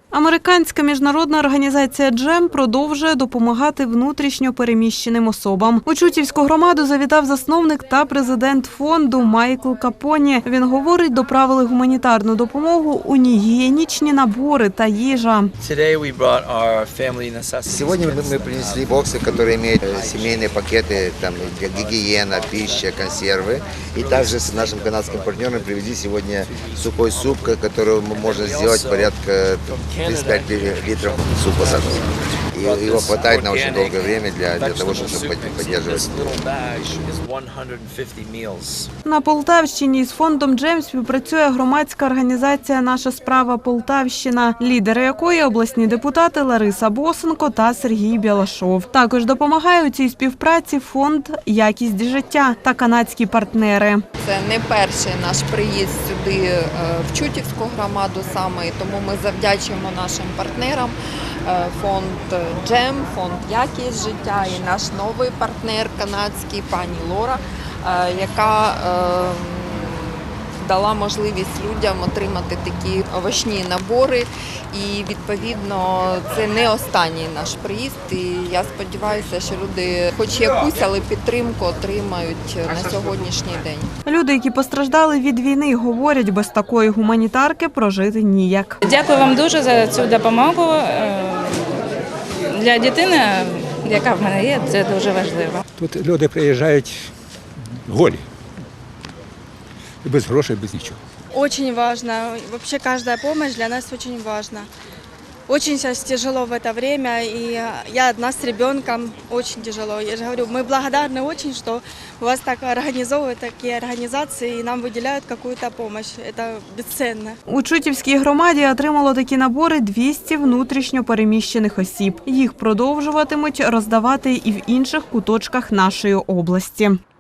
Американська міжнародна організація «Джем» продовжує допомагати внутрішньо переміщеним особам. У Чутівську громаду завітав засновник та президент фонду Майкл Капоні. Він говорить, доправили гуманітарну допомогу у гігієнічні набори та їжа. Сегодня мы принесли боксы, которые имеют семейные пакеты, там гигиена, пища, консервы. И также с нашим канадским партнером привезли сегодня сухой суп, который можно сделать порядка 35 литров супа с этим. И его хватает на очень долгое время для того, чтобы поддерживать пищу. На Полтавщині з фондом «Джем» співпрацює громадська організація «Наша справа Полтавщина», лідери якої обласні депутати Лариса Босенко та Сергій Білашов. Також допомагає у цій співпраці фонд «Якість життя» та канадські партнери. Це не перший наш приїзд сюди в Чутівську громаду саме, і тому ми завдячуємо нашим партнерам. Фонд «Джем», фонд «Якість життя» і наш новий партнер канадський, пані Лора, яка дала можливість людям отримати такі овочні набори. І, відповідно, це не останній наш приїзд. І я сподіваюся, що люди хоч якусь, але підтримку отримають на сьогоднішній день. Люди, які постраждали від війни, говорять, без такої гуманітарки прожити ніяк. Дякую вам дуже за цю допомогу. Для дитини, яка в мене є, це дуже важливо. Тут люди приїжджають голі. Без грошей, без нічого. Очень важно. Вообще каждая помощь для нас очень важна. Очень сейчас тяжело в это время, и я одна с ребенком, очень тяжело. Я же говорю, мы благодарны очень, что у вас так организовывают такие организации и нам выделяют какую-то помощь. Это бесценно. У Чутівській громаді отримало такі набори 200 внутрішньо переміщених осіб. Їх продовжуватимуть роздавати і в інших куточках нашої області.